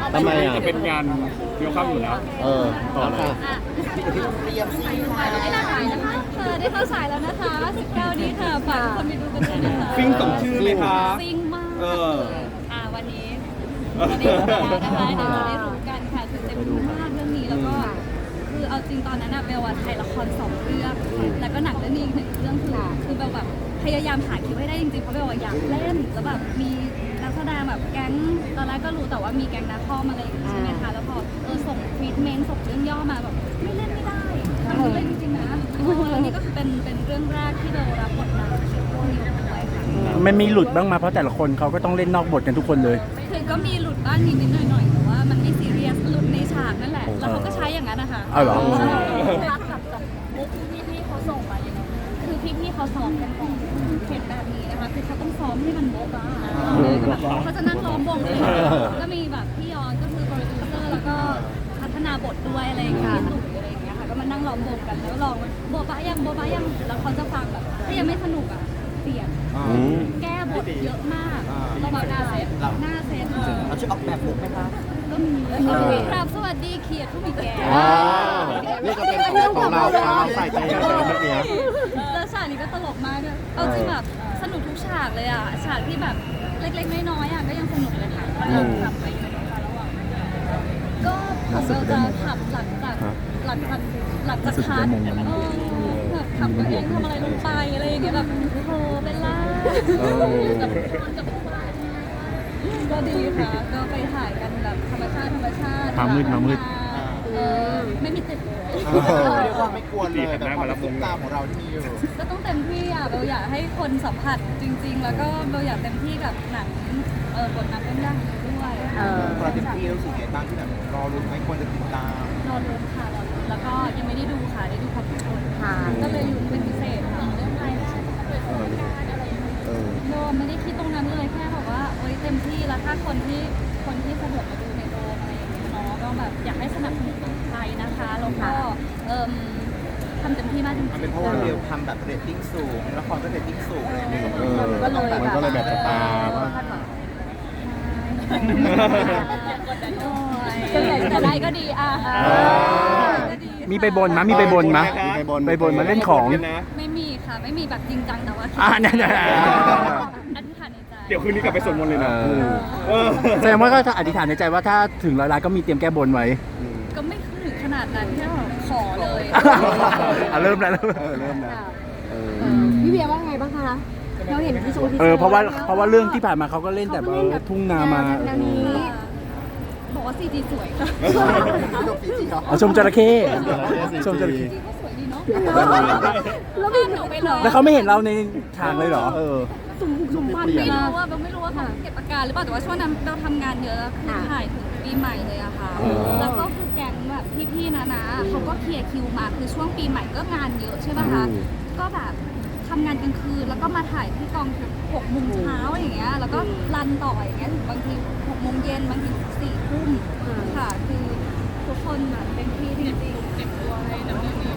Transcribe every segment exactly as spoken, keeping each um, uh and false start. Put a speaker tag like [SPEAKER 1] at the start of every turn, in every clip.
[SPEAKER 1] ทำไมอ่ะ
[SPEAKER 2] จะเป็นงานเดียวข้ามอยู่แล้ว
[SPEAKER 1] เออต่อค่ะ
[SPEAKER 3] เตรียมซีน
[SPEAKER 4] ได้เข้าฉายนะคะเออได้เข้าฉายแล้วนะคะสิบเก้านี้ค่ะฝากทุกคนไปดูกันด้วยนะคะ
[SPEAKER 2] ฟิงสมชื่อไหมคะ
[SPEAKER 4] ซิงมาก
[SPEAKER 2] เออ
[SPEAKER 4] อ่าวันนี้จะได้รู้กันนะคะเดี๋ยวจะได้รู้กันค่ะคือเต็มรู้มากเรื่องนี้แล้วก็คือเอาจริงตอนนั้นอะเบลอะถ่ายละครสองเรื่องแล้วก็หนังเรื่องนี้อีกหนึ่งเรื่องคือคือเบลแบบพยายามหาคิวให้ได้จริงๆเพราะเบลอะอยากเล่นแล้วแบบมีนักแสดงแบบแก๊งตอนแรกก็รู้แต่ว่ามีแก๊งนักข้อมอะไรอย่างเงี้ยใช่ไหมคะแล้วพอเออส่งทรีทเมนต์ส่งเรื่องย่อมาแบบไม่เล่นไม่ได้มันไม่เล่นจริงๆนะเออนี่ก็คือเป็นเป็นเรื่องแรกที่เบลรับบทนำชื่อว่านิวด้วยค่ะ
[SPEAKER 5] มันมีหลุดบ้างมาเพราะแต่ละคนเขาก็ต้องเล่นนอกบทกันทุกคนเลย
[SPEAKER 4] คือก็มีหลุดบ้างนิดๆหน่อยๆแต่ว่ามันไม่ซีเรียสหลุดในฉากนั่นแหละแล้วเขาก็ใช้อย่างนั้นนะคะ
[SPEAKER 5] เอาเหรอ
[SPEAKER 4] ใช่รักกับกับมุกที่พี่ๆเขาส่งมาอย่างนั้นคือพี่ๆเขาซ้อมกันก่อนเห็นแบบนี้นะคะคือเขาต้องซ้อมให้มันโบ๊ะบ้าเขาจะนั่งล้อมวงเลยก็มีแบบพี่ยอนก็คือโปรดิวเซอร์แล้วก็พัฒนาบทด้วยอะไรอย่างเงี้ยพี่ตุ๋ยอะไรอย่างเงี้ยค่ะก็มานั่งล้อมวงกันแล้วลองโบ๊ะบ้ายังโบ๊ะบ้ายังแล้วเขาจะฟังแบบถ้ายังไม่สนุกอ่ะเปลี่ยนแก้บทเยอะมากเราแบบหน้าเซตหน้าเซต
[SPEAKER 3] เราช่วยออกแบบลุคไหมคะ
[SPEAKER 4] ก็มีครับสวัสดีเขียดผู้มีแก่
[SPEAKER 1] ว้าวนี่ก็เป็นของของเราเราใส่ใจในเรื่องนี้
[SPEAKER 4] แล้วฉากนี้ก็ตลกมากด้วยเอาจริงแบบสนุกทุกฉากเลยอ่ะฉากที่แบบเล็กๆน้อยๆอ่ะก็ยังสนุกเลยค่ะเราขับไปอยู่ในระหว่างก็ผมเราจะขับหลังจากหลังจากหลังจากคัดเออแบบขับตัวเองทำอะไรลงไปอะไรอย่างเงี้ยแบบโอ้เบลล่ากับกับก็ดีค่ะก็ไปถ่ายกันแบบธรรมชาติธรรมชาติ
[SPEAKER 5] มามืดมามืด
[SPEAKER 4] เออไม่มีติดเลย
[SPEAKER 3] เรียกว่าไม่กวนเลยแต่ความสุขตามของเราที่มีอยู่
[SPEAKER 4] ก็ต้องเต็มที่อ่ะเบลอยากให้คนสัมผัสจริง ๆ แล้วก็เบลอยากเต็มที่กับหนังเออบทนำเรื่องยากนี้ด้วย
[SPEAKER 3] เราเต็มที่รู้สึกไงบ้างที่แบบรอรุ้นไม่ควรจะติดตาม
[SPEAKER 4] รอลุ้นค่ะรอลุ้นแล้วก็ยังไม่ได้ดูค่ะได้ดูพร้อมทุกคนก็เลยลุ้นเป็นพิเศษค่ะเรื่องอะไรนะโดไม่ได้คิดตรงนั้นเลยแค่แบบว่าโอ๊ยเต็มที่แล้วถ้าคนที่คนที่สะดวกมาดูในโรงอะไรอย่างเงี้ยเนาะก็แบบอยากให้สนับสนุนคนไทยนะคะแล้วก็เอ่มทำเต็มที่มากจริง
[SPEAKER 3] มันเป็นเพราะว่าเบลทำแบบเรตติ้งสูงละครก็เรตติ้งสูงเลย
[SPEAKER 1] เออมันก็เลยแบบสตาร์ว่า
[SPEAKER 4] ส่วนใหญ่จะได้ก็ดีอ่ะ
[SPEAKER 5] มีไปบนมะมีไปบนมะ
[SPEAKER 1] มีไปบน
[SPEAKER 5] ไปบนมาเล่นของ
[SPEAKER 4] ไม่มีค่ะไม่มีแบบจริงจังแต่ว่า
[SPEAKER 5] อ่าเนี่ย
[SPEAKER 4] อธิษฐานในใจ
[SPEAKER 2] เดี๋ยวคืนนี้กลับไปสวดมนต์เลยนะ
[SPEAKER 1] เออ
[SPEAKER 2] เออ
[SPEAKER 5] แสดงว่าก็ถ้าอธิษฐานในใจว่าถ้าถึงร้อยล้านก็มีเตรียมแก้บนไว้
[SPEAKER 4] ก็ไม่ถึงขนาดนั้นแค่แบบขอเลย
[SPEAKER 5] อ่ะเริ่มแล้วเริ่ม
[SPEAKER 1] เออเริ่มแล้วเออ
[SPEAKER 6] พี่เบียร์ว่าไงบ้างคะ เราเห็นที่โชว์ที่
[SPEAKER 5] เออเพราะว่าเพราะว่าเรื่องที่ผ่านมาเขาก็เล่นแต่แบบทุ่งนามา
[SPEAKER 6] แนวนี้
[SPEAKER 4] บอกว่าซีจีสวยค่ะ
[SPEAKER 3] จบจริงๆเหรอ
[SPEAKER 5] เอาชมจระเข้ชมจระเข้
[SPEAKER 4] ก็สวยดีเนาะ
[SPEAKER 6] แล้ว
[SPEAKER 4] บ้านหนูไปเลย
[SPEAKER 5] แล้วเขาไม่เห็นเราในฉากเลยเหรอ
[SPEAKER 1] เออ
[SPEAKER 6] สุ่มสุ่มฟัน
[SPEAKER 4] ไม่รู้ว่าไม่รู้ว่าเขาเก็บอาการหรือเปล่าแต่ว่าช่วงนั้นเราทำงานเยอะคือถ่ายถึงปีใหม่เลยอะค่ะ แล้วก็คือแก๊งแบบพี่ๆนะนะเขาก็เคลียร์คิวมาคือช่วงปีใหม่ก็งานเยอะใช่ไหมคะก็แบบทำงานกลางคืนแล้วก็มาถ่ายที่กองถึงหกโมงเช้าอย่างเงี้ยแล้วก็รันต่ออย่างเงี้ยถึงบางทีหกโมงเย็นบางทีสี่ทุ่มค่ะคือทุกคนแบบเป็นที่จริงๆเก็บตัวให้ดำเนินงาน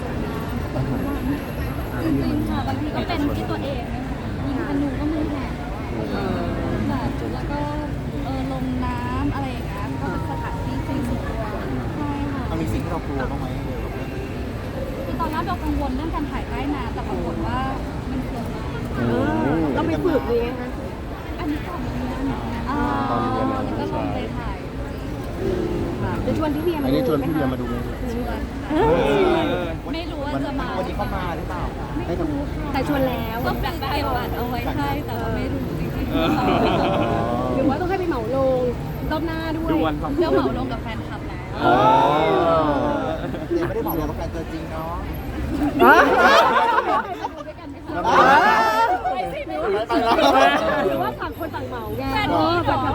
[SPEAKER 4] จริงๆค่ะบางทีก็เป็นที่ตัวเองยิงธนูก็มือแหกแบบแล้วก็เออลงน้ำอะไรอย่างเงี้ยก็เป็นสถานที่จริงสุดด้วยใช่ค่ะ
[SPEAKER 3] มันมีสิ่งที่เรากลัวบ้างไหม
[SPEAKER 4] คือตอนแรกเรากังวลเรื่องการถ่ายใต้น้ำแต่ปรากฏว่ามันเกิดมา
[SPEAKER 6] เราไปฝึกเลยไงคะ
[SPEAKER 4] อันนี้ก่อนเรียนอ่าแล้วก็ลงไปถ่าย
[SPEAKER 6] จะชวนพี่เบียร์
[SPEAKER 1] อั
[SPEAKER 6] มาน ดู
[SPEAKER 1] นี้ชวนพี่เบียร์มาดูไหม
[SPEAKER 4] ชวนไม่รู้ว่าจะมา
[SPEAKER 3] วันนี้เขามาหรือเปล่า
[SPEAKER 4] ไม่รู้ค่ะ
[SPEAKER 6] แต่ชวนแล้ว
[SPEAKER 4] ก็เป็นเก็บบัตรเอาไว้ให้แต่ว่าไม่รู้จริง
[SPEAKER 6] หรือว่าต้องให้ไปเหมาลงรอบหน้าด้วย
[SPEAKER 2] ดูวันความ
[SPEAKER 4] ๆเรื่องเหมาลงกับแฟนคลับแล้ว
[SPEAKER 1] อ๋อ
[SPEAKER 3] เดี๋ยวไม่ได้บอกเราว่าแฟนตัวจริงเนาะ
[SPEAKER 4] ไปสิไม่
[SPEAKER 3] ไป
[SPEAKER 4] รู้
[SPEAKER 3] แล้ว
[SPEAKER 6] หรือว่าต่างคนต่างเหมาไง
[SPEAKER 4] แฟนนี้เหรอ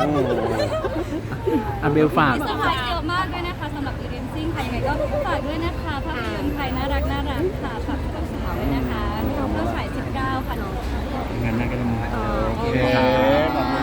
[SPEAKER 5] อ่ะเบลฝาก
[SPEAKER 4] มีเซอร์ไพรส์เยอะมากด้วยนะคะสำหรับอีเรนซิ่งค่ะยังไงก็ฝากด้วยนะคะภาพยนตร์ไทยน่ารักน่ารักค่ะฝากกับสาวด้วยนะคะเข้าฉายสิบเก้าค่ะ
[SPEAKER 5] งานหน้าก็จะมา
[SPEAKER 1] โอเคขอบคุณ